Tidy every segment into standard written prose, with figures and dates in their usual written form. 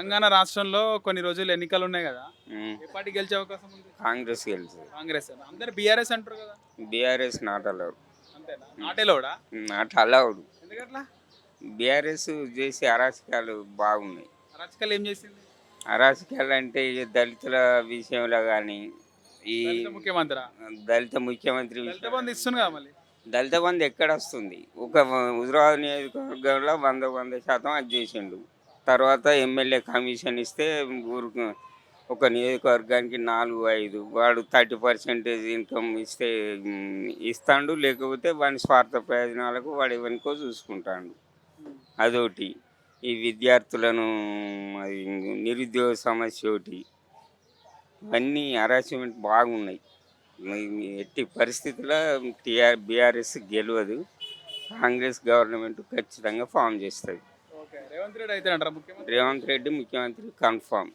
తెలంగాణ రాష్ట్రంలో కొన్ని రోజులు ఎన్నికలు ఉన్నాయి కదా. ఉమ్, ఏ పార్టీ గెలిచే అవకాశం ఉంది? కాంగ్రెస్ గెలుస్తుంది. కాంగ్రెస్ అన్న. అందరు బీఆర్ఎస్ అంటారు కదా. BRS not allowed. అంతేనా? నాటేలోడా? Not allowed. ఎందుకట్లా? బీఆర్ఎస్ చేసే అరాచకాలు బాగున్నాయి. రాజకీయాలు ఏం చేసింది? అరాచకాలు అంటే ఈ దళితుల విషయంలో కానీ ఈ దళిత ముఖ్యమంత్రి. దళిత ముఖ్యమంత్రి దళిత బంధు ఇస్తుంది కదా మళ్ళీ. దళిత బంధు ఎక్కడ వస్తుంది? ఒక హుజరాబాద్ నియోజకవర్గంలో 100% అది చేసిండు. తర్వాత ఎమ్మెల్యే కమిషన్ ఇస్తే ఊరుకు ఒక నియోజకవర్గానికి 4-5 వాడు 30% ఇన్కమ్ ఇస్తే ఇస్తాడు. లేకపోతే వాని స్వార్థ ప్రయోజనాలకు వాడు ఎవరికో చూసుకుంటాడు. అదొకటి. ఈ విద్యార్థులను అది నిరుద్యోగ సమస్య ఒకటి. ఇవన్నీ హరాస్మెంట్ బాగున్నాయి. ఎట్టి పరిస్థితుల్లో బీఆర్ఎస్ గెలవదు. కాంగ్రెస్ గవర్నమెంట్ ఖచ్చితంగా ఫామ్ చేస్తుంది. ఓకే. రేవంత్ రెడ్డి అయితే అంటారా ముఖ్యమంత్రి? రేవంత్ రెడ్డి ముఖ్యమంత్రి కన్ఫామ్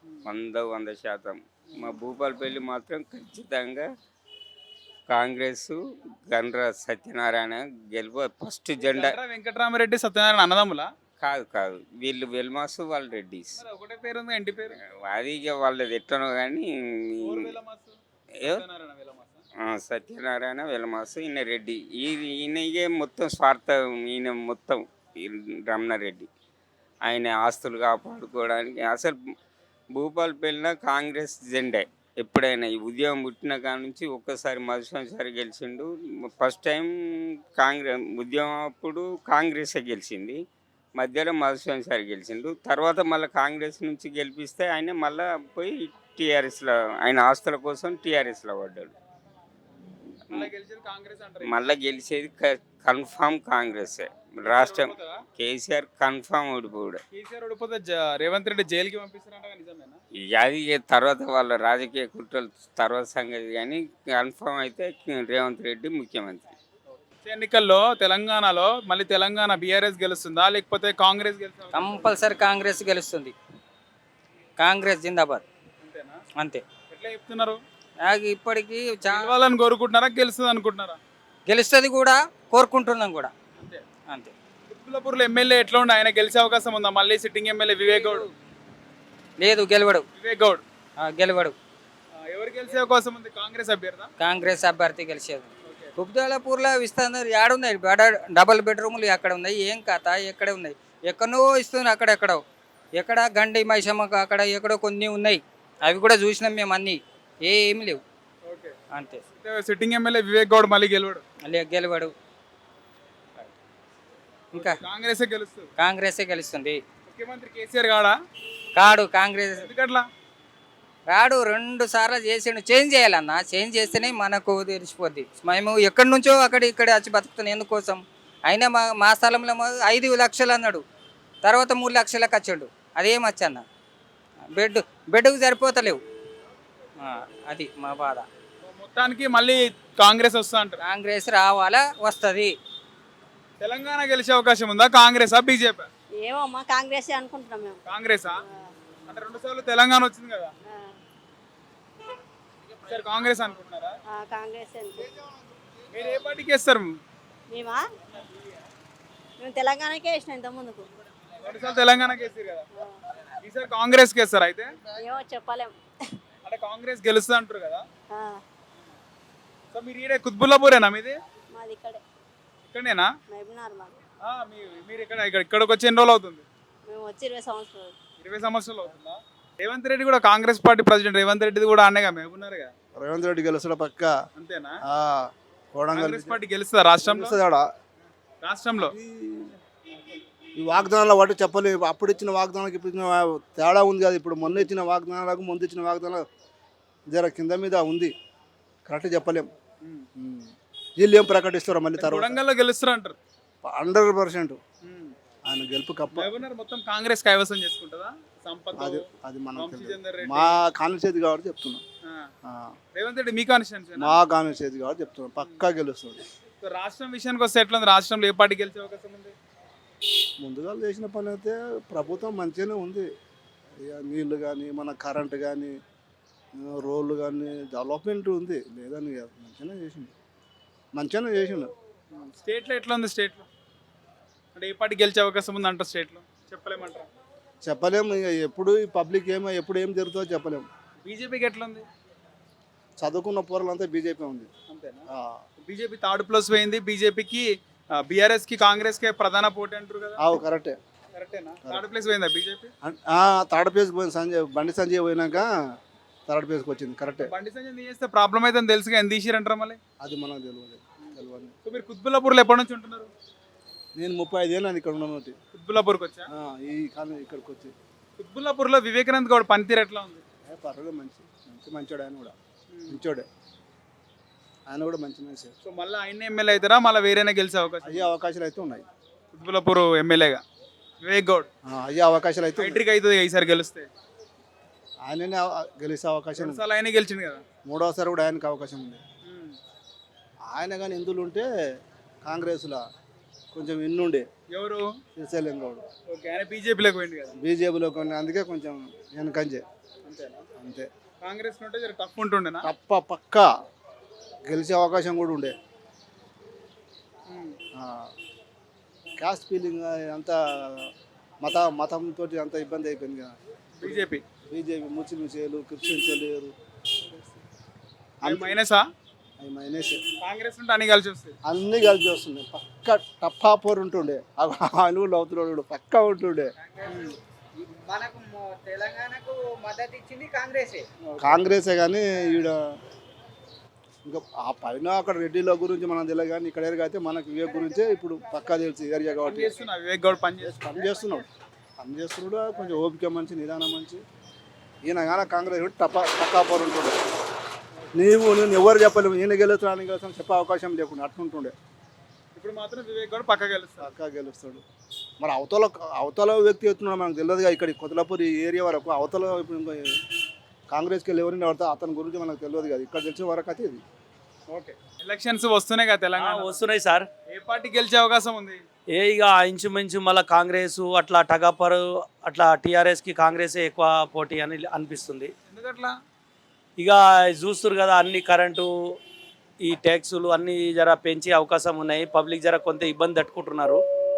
100%. మా భూపాలపల్లి మాత్రం ఖచ్చితంగా కాంగ్రెస్ గండ్ర సత్యనారాయణ గెలువ ఫస్ట్ జెండా. గండ్ర వెంకటరామరెడ్డి సత్యనారాయణ అన్నదమ్ములా? కాదు వీళ్ళు వెల్మాసు వాళ్ళు రెడ్డిస్. మరి ఒకటే పేరు ఉంది, ఇంటి పేరు. అది ఇక వాళ్ళది ఎట్లనో కానీ ఊరు వెలమాసు. ఏ- సత్యనారాయణ వెలమాసా? సత్యనారాయణ వెలమాసు ఈయన రెడ్డి. ఈయనకే మొత్తం స్వార్థం. ఈయన మొత్తం ఈ రమణారెడ్డి ఆయన ఆస్తులు కాపాడుకోవడానికి అసలు భూపాలపల్లిన కాంగ్రెస్ జెండే. ఎప్పుడైనా ఈ ఉద్యమం పుట్టిన కాడ నుంచి ఒక్కసారి మధుసంసారి గెలిచిండు. ఫస్ట్ టైం ఉద్యమం అప్పుడు కాంగ్రెసే గెలిచింది. మధ్యలో మధుసంసారి గెలిచిండు. తర్వాత మళ్ళీ కాంగ్రెస్ నుంచి గెలిపిస్తే ఆయన మళ్ళీ పోయి టీఆర్ఎస్లో ఆయన ఆస్తుల కోసం టీఆర్ఎస్లో పడ్డాడు. మళ్ళీ గెలిచేది కాంగ్రెస్ అంటారు. మళ్ళీ గెలిచేది కన్ఫామ్ కాంగ్రెసే. రాష్ట్రం కేసీఆర్ కన్ఫామ్ ఓడిపోడు. కేసీఆర్ ఓడిపోతే రేవంత్ రెడ్డి జైలుకి పంపిస్తారంట, నిజమేనా? అది తర్వాత వాళ్ళ రాజకీయ కుట్రలు తర్వాత సంగతి. కానీ కన్ఫామ్ అయితే రేవంత్ రెడ్డి ముఖ్యమంత్రి. వచ్చే ఎన్నికల్లో తెలంగాణలో మళ్ళీ తెలంగాణ బీఆర్ఎస్ గెలుస్తుందా లేకపోతే కాంగ్రెస్ గెలుస్తుందా? కంపల్సరీ కాంగ్రెస్ గెలుస్తుంది. కాంగ్రెస్ జిందాబాద్. అంతేనా? అంతే. ఎట్లా చెప్తున్నారు? నాకు ఇప్పటికీ గెలవాలని కోరుకుంటున్నారా, గెలుస్తుంది అనుకుంటున్నారా? గెలుస్తుంది కూడా, కోరుకుంటున్నాం కూడా. అంతే. అంతే. కుత్బుల్లాపూర్లో ఎమ్మెల్యే ఎట్లా ఉండే? ఆయన గెలిచే అవకాశం ఉందా? మళ్ళీ సిట్టింగ్ ఎమ్మెల్యే వివేక్ గౌడ్. లేదు, గెలవడు. వివేక్ గౌడ్ గెలవడు. ఎవరు గెలిచే అవకాశం ఉంది? కాంగ్రెస్ అభ్యర్థా? కాంగ్రెస్ అభ్యర్థి గెలిచేది. కుబ్దాలపూర్లో ఇస్తున్నారు. ఏడున్నాయి డబుల్ బెడ్రూములు ఎక్కడ ఉన్నాయి? ఏం కథ? ఎక్కడ ఉన్నాయి? ఎక్కడో ఇస్తున్నారు, అక్కడెక్కడో. ఎక్కడ గండి మైసమ్మకు అక్కడ ఎక్కడో కొన్ని ఉన్నాయి. అవి కూడా చూసినాం మేము. అన్నీ ఏమి లేవు. ఓకే. అంతే. సిట్టింగ్ ఎమ్మెల్యే వివేక్ గౌడ్ మళ్ళీ గెలవడు. గెలవడు. ఇంకా కాంగ్రెసే గెలుస్తుంది. కాంగ్రెసే గెలుస్తుంది. ముఖ్యమంత్రి కేసీఆర్ కాడా? కాడు. కాంగ్రెస్ ఎందుకట్లా? రాడు. 2 సార్లు చేసిండు. చేంజ్ చేయాలన్నా. చేంజ్ చేస్తేనే మనకు తెలిసిపోద్ది. మేము ఎక్కడి నుంచో ఇక్కడ వచ్చి బతుకుతున్నాం ఎందుకోసం. అయినా మా స్థలంలో 5 లక్షలు అన్నాడు. తర్వాత 3 లక్షలకు వచ్చాడు. అదేం వచ్చన్న బెడ్కు సరిపోతలేవు. అది మా బాధ. మొత్తానికి మళ్ళీ కాంగ్రెస్ వస్తా అంటారు. కాంగ్రెస్ రావాలా, వస్తుంది. తెలంగాణ గెలిచే అవకాశం ఉందా? కాంగ్రెసా బీజేపీ? ఏమో మా కాంగ్రెస్ అనుకుంటున్నాం మేము. కాంగ్రెసా? అంటే 2 సార్లు తెలంగాణ వచ్చింది కదా. సరే కాంగ్రెస్ అనుకుంటున్నారా? కాంగ్రెస్ మీరు ఏ పార్టీకి వేస్తారు? మేమా మేము తెలంగాణకే వేసినాం ఇంత ముందుకు. 2 సార్లు తెలంగాణకి వేస్తారు కదా. ఈసారి కాంగ్రెస్కి వేస్తారు అయితే? ఏమో చెప్పలేం. అంటే కాంగ్రెస్ గెలుస్తుంది అంటారు కదా. ఆ, సో మీరు ఈడే కుత్బుల్లాపూరేనా మీది? మాది ఇక్కడే ఇక్కడనేనా? మహబూబ్నగర్ మాది. మీరు ఇక్కడికి వచ్చి ఎన్ని రోజులు అవుతుంది? మేము వచ్చి 20 సంవత్సరాలు. 20 సంవత్సరాలు అవుతుందా? రేవంత్ రెడ్డి కూడా Congress party president Revanth Reddy కూడా అన్నగా మేమున్నారు కదా. రేవంత్ రెడ్డి గెలుస్తాడు పక్క. అంతేనా? కోడంగల్ పార్టీ గెలుస్తుందా రాష్ట్రంలో? రాష్ట్రంలో ఈ వాగ్దానాల వాటి చెప్పలేము. అప్పుడు ఇచ్చిన వాగ్దానాలకు ఇప్పుడు ఇచ్చిన తేడా ఉంది కదా. ఇప్పుడు మొన్న ఇచ్చిన వాగ్దానాలకు ముందు ఇచ్చిన వాగ్దానాలు జర కింద మీద ఉంది. కరెక్ట్ చెప్పలేం. వీళ్ళు ఏం ప్రకటిస్తారో మళ్ళీ తర్వాత. కొడంగల్లో గెలుస్తారు అంటారు 100%. ఆయన గెలుపు కప్ప. మొత్తం కాంగ్రెస్ కైవసం చేసుకుంటుందా? అది మనం మా కాన్స్టిట్యూన్సీ కాబట్టి చెప్తున్నాం. రేవంత్ రెడ్డి మీ కాన్స్టిట్యూన్సీ? మా కాన్స్టిట్యూన్సీ కాబట్టి చెప్తున్నాం. పక్కా గెలుస్తుంది. రాష్ట్రం విషయానికి వస్తే ఎట్లా ఉంది? రాష్ట్రంలో ఏ పార్టీ గెలిచే అవకాశం ఉంది? ముందుగా చేసిన పని అయితే ప్రభుత్వం మంచిగానే ఉంది. ఇక నీళ్ళు కానీ మన కరెంటు కానీ రోడ్లు కానీ డెవలప్మెంట్ ఉంది. లేదని కాదు, మంచిగానే చేసిండు. స్టేట్లో ఎట్లా ఉంది? స్టేట్లో అంటే ఏ పార్టీ గెలిచే అవకాశం ఉంది అంటారు? స్టేట్లో చెప్పలేమంటారా? చెప్పలేము ఇక ఎప్పుడు ఈ పబ్లిక్ ఎప్పుడు ఏం జరుగుతుందో చెప్పలేము. బీజేపీకి ఎట్లుంది? చదువుకున్న పోరాలంతా బీజేపీ ఉంది. అంతేనా? ఆ, బీజేపీ థర్డ్ ప్లేస్ పోయింది. బీజేపీకి బీఆర్ఎస్ కి కాంగ్రెస్ కి ప్రధాన పోటీ అంటారు కదా, ఆవు కరెక్టే. కరెక్టేనా? థర్డ్ ప్లేస్ పోయిందా బీజేపీ? థర్డ్ ప్లేస్కి పోయింది. బండి సంజయ్ పోయినాక థర్డ్ ప్లేస్కి వచ్చింది. కరెక్టే. బండి సంజయ్ చేస్తే ప్రాబ్లం అయితే తెలుసుగా, ఎంత తీసిరంటారా మళ్ళీ? అది మనకు తెలియదు. సో మీరు కుత్బుల్లాపూర్లో ఎప్పటి నుంచి ఉంటున్నారు? నేను 35 ఏళ్ళు ఇక్కడ ఉన్నాను. కుత్బుల్లాపూర్కి వచ్చా? ఈ కాలం ఇక్కడికి వచ్చి కుత్బుల్లాపూర్లో వివేకానంద్ గౌడ్ పనితీరు ఎట్లా ఉంది? పర్వాలేదు, మంచోడు. ఆయన కూడా మంచోడే. ఆయన కూడా మంచి మనిషి. సో మళ్ళీ ఆయన ఎమ్మెల్యే అవుతారా, మళ్ళీ వేరేనే గెలిచే అవకాశం? అయ్యే అవకాశాలు అయితే ఉన్నాయి. కుత్బుల్లాపూర్ ఎమ్మెల్యేగా వివేక్ గౌడ్ అయ్యే అవకాశాలు అయితే ఉన్నాయి. హ్యాట్రిక్ అవుతుంది ఈసారి గెలిస్తే. ఆయననే గెలిచే అవకాశం ఉంది. రెండుసార్లు ఆయనే గెలిచింది కదా. మూడోసారి కూడా ఆయనకు అవకాశం ఉంది. ఆయన కానీ ఇందులో ఉంటే కాంగ్రెస్లో కొంచెం ఎన్నుండే. ఎవరు? శ్రీశైలం గౌడ్. ఓకే, ఆయన బీజేపీలోకి పోయింది కదా. బీజేపీలో కొన్ని, అందుకే కొంచెం వెనకంజే. అంతేనా? అంతే. కాంగ్రెస్ ఉంటే జర టఫ్ ఉంటుండేనా? పక్కా గెలిచే అవకాశం కూడా ఉండే. క్యాస్ట్ ఫీలింగ్ అంతా మతంతో అంత ఇబ్బంది అయిపోయింది కదా. బీజేపీ ముస్లిమ్స్ లేరు, క్రిస్టియన్స్ లేరు. మైనసా? అవి మైనస్. కాంగ్రెస్ ఉంటే అన్ని కలిసి వస్తాయి. అన్నీ కలిసి వస్తున్నాయి. పక్క టప్పా పోరు ఉంటుండే. అనుగులు అవుతున్నాడు పక్కా ఉంటుండే. మనకు తెలంగాణకు మద్దతు ఇచ్చింది కాంగ్రెసే. కానీ ఈడ ఇంకా ఆ పైన అక్కడ రెడ్డిల గురించి మనం తెలియదు, కానీ ఇక్కడ అయితే మనకు వివేక్ గురించే ఇప్పుడు పక్కా తెలుసు ఏరియా కాబట్టి. వివేక్ గౌడ్ పని చేస్తున్నాడు. కొంచెం ఓపిక మంచి, నిదానం మంచి. ఈయన కానీ కాంగ్రెస్ టప్పా పోరు ఉంటుండే. నేను ఎవరు చెప్పలేము, ఈయన గెలుస్తాను చెప్పే అవకాశం లేకుండా అట్లుంటుండే. ఇప్పుడు మాత్రం వివేక్ గౌడ్ పక్కా గెలుస్తాడు. మరి అవతల వ్యక్తి ఎత్తున్నాడు మనకు తెలియదుగా. ఇక్కడ కొత్తలాపూర్ ఈ ఏరియా వరకు అవతల ఇప్పుడు ఇంకా కాంగ్రెస్కి వెళ్ళి ఎవరిని పడతా అతని గురించి మనకు తెలియదు కదా. ఇక్కడ తెలిసిన వరకు అయితే ఇది. ఓకే, ఎలక్షన్స్ వస్తున్నాయి కదా తెలంగాణ. వస్తున్నాయి సార్. ఏ పార్టీ గెలిచే అవకాశం ఉంది? ఇక ఇంచుమించు మళ్ళీ కాంగ్రెస్ అట్లా టగాపరు అట్లా టీఆర్ఎస్కి కాంగ్రెసే ఎక్కువ పోటీ అని అనిపిస్తుంది. ఎందుకట్లా? ఇక చూస్తున్నారు కదా, అన్ని కరెంటు ఈ ట్యాక్సులు అన్నీ జర పెంచే అవకాశం ఉన్నాయి. పబ్లిక్ జర కొంత ఇబ్బంది తట్టుకుంటున్నారు.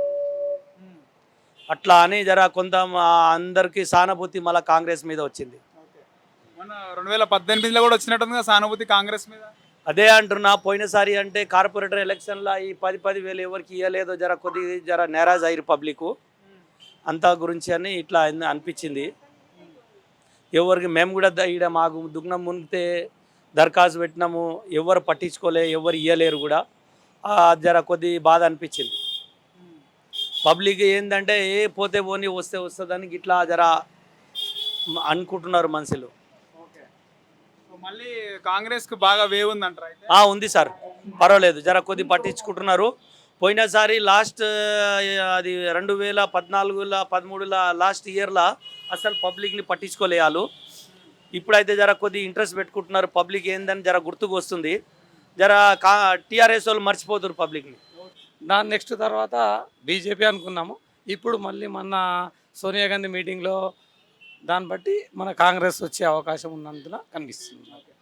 అట్లా అని జర కొంత అందరికీ సానుభూతి మళ్ళీ కాంగ్రెస్ మీద వచ్చింది. మన 2018లో కూడా వచ్చినట్టుంది కదా సానుభూతి కాంగ్రెస్ మీద. అదే అంటున్నా, పోయినసారి అంటే కార్పొరేటర్ ఎలక్షన్లో ఈ 10,000 ఎవరికి ఇవ్వలేదో జర నేరాజ్ అయ్యారు పబ్లిక్ అంతా గురించి అని ఇట్లా అనిపించింది. ఎవరికి మేము కూడా ఈడ మాకు దుగ్నం మునిగితే దరఖాస్తు పెట్టినాము, ఎవరు పట్టించుకోలే, ఎవరు ఇవ్వలేరు కూడా. జర కొద్ది బాధ అనిపించింది. పబ్లిక్ ఏంటంటే పోతే పోని వస్తే వస్తుందని ఇట్లా జర అనుకుంటున్నారు మనుషులు. మళ్ళీ కాంగ్రెస్ కు బాగా వేవ్ ఉందంటారా అయితే? ఉంది సార్, పర్వాలేదు, జర కొద్ది పట్టించుకుంటున్నారు. పోయినసారి లాస్ట్ అది 2014-13 లాస్ట్ ఇయర్లో అసలు పబ్లిక్ని పట్టించుకోలేయాలి. ఇప్పుడైతే జర కొద్ది ఇంట్రెస్ట్ పెట్టుకుంటున్నారు. పబ్లిక్ ఏందని జర గుర్తుకు వస్తుంది. జర టీఆర్ఎస్ వాళ్ళు మర్చిపోతారు పబ్లిక్ని. దాని నెక్స్ట్ తర్వాత బీజేపీ అనుకున్నాము. ఇప్పుడు మళ్ళీ మొన్న సోనియా గాంధీ మీటింగ్లో దాన్ని బట్టి మన కాంగ్రెస్ వచ్చే అవకాశం ఉన్నందున కనిపిస్తుంది.